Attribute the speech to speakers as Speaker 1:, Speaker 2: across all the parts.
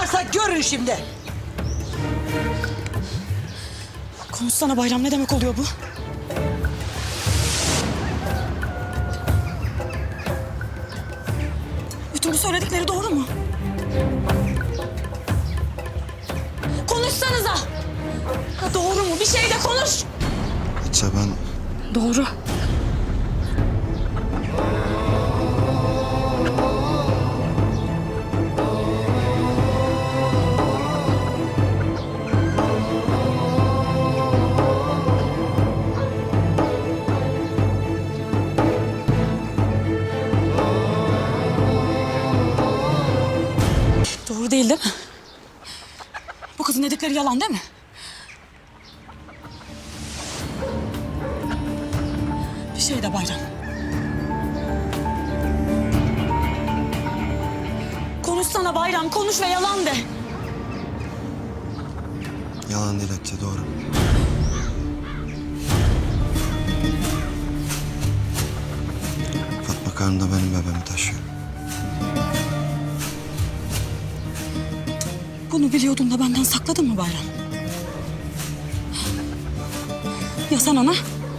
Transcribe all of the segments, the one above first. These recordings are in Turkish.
Speaker 1: varsa görün şimdi.
Speaker 2: Konuşsana Bayram, ne demek oluyor bu? Bütün bu söyledikleri doğru mu? Konuşsanıza! Ha, doğru mu? Bir şey de konuş!
Speaker 3: Hatice ben...
Speaker 2: Doğru. Doğru değil mi? Bu kızın dedikleri yalan değil mi? Bir şey de Bayram. Konuşsana Bayram, konuş ve yalan de.
Speaker 3: Yalan değil Hatice, doğru. Fatma karnında benim bebeğimi taşıyor.
Speaker 2: Bunu biliyordun da benden sakladın mı Bayram? Ya sen ana?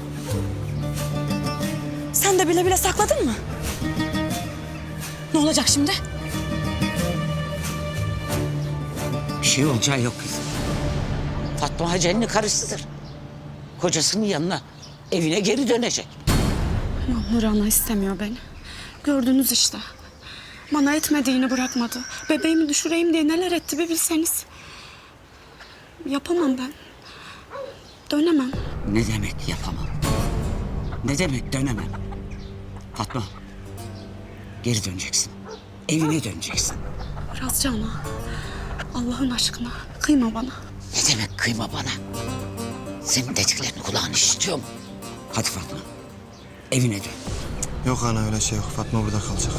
Speaker 2: Sen de bile bile sakladın mı? Ne olacak şimdi?
Speaker 1: Bir şey olacağı yok kızım. Fatma Hacer'in karısıdır. Kocasının yanına, evine geri dönecek.
Speaker 4: Nur ana istemiyor beni. Gördünüz işte. Bana etmediğini bırakmadı. Bebeğimi düşüreyim diye neler etti bir bilseniz. Yapamam ben. Dönemem.
Speaker 1: Ne demek yapamam? Ne demek dönemem? Fatma, geri döneceksin. Evine döneceksin.
Speaker 4: Razca ana. Allah'ın aşkına kıyma bana.
Speaker 1: Ne demek kıyma bana? Senin dediklerini kulağın işitiyor mu? Hadi Fatma, evine dön.
Speaker 3: Yok ana, öyle şey yok. Fatma burada kalacak.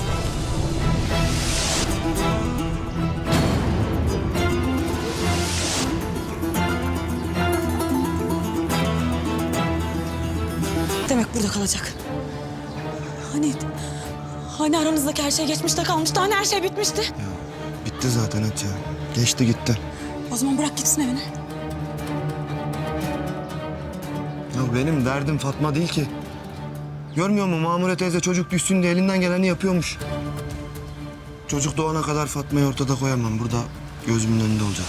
Speaker 2: Demek burada kalacak. Hani aramızdaki her şey geçmişte kalmıştı. Hani her şey bitmişti.
Speaker 3: Ya bitti zaten Hatice. Geçti gitti.
Speaker 2: O zaman bırak gitsin evine.
Speaker 3: Ya benim derdim Fatma değil ki. Görmüyor musun Mamure teyze çocuk düşsün diye elinden geleni yapıyormuş. Çocuk doğana kadar Fatma'yı ortada koyamam. Burada gözümün önünde olacak.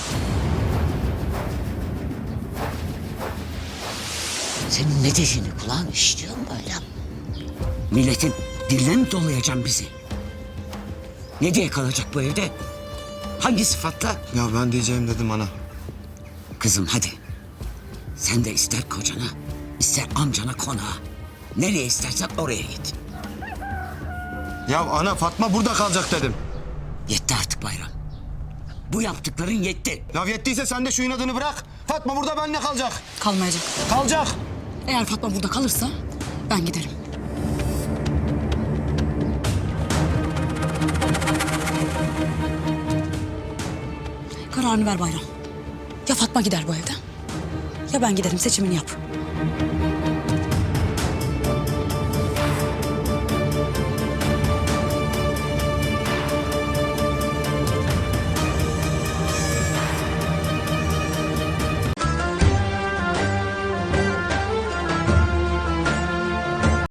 Speaker 1: Senin ne dediğini kulağın işitiyor mu böyle? Milletin diline mi dolayacaksın bizi? Ne diye kalacak bu evde? Hangi sıfatla?
Speaker 3: Ya ben diyeceğim dedim ana.
Speaker 1: Kızım hadi. Sen de ister kocana, ister amcana konağa. Nereye istersen oraya git.
Speaker 3: Ya ana, Fatma burada kalacak dedim.
Speaker 1: Yetti artık Bayram. Bu yaptıkların yetti.
Speaker 3: Ya yettiyse sen de şu inadını bırak. Fatma burada benimle kalacak.
Speaker 2: Kalmayacak.
Speaker 3: Kalacak.
Speaker 2: Eğer Fatma burada kalırsa ben giderim. Kararını ver Bayram. Ya Fatma gider bu evden ya ben giderim, seçimini yap.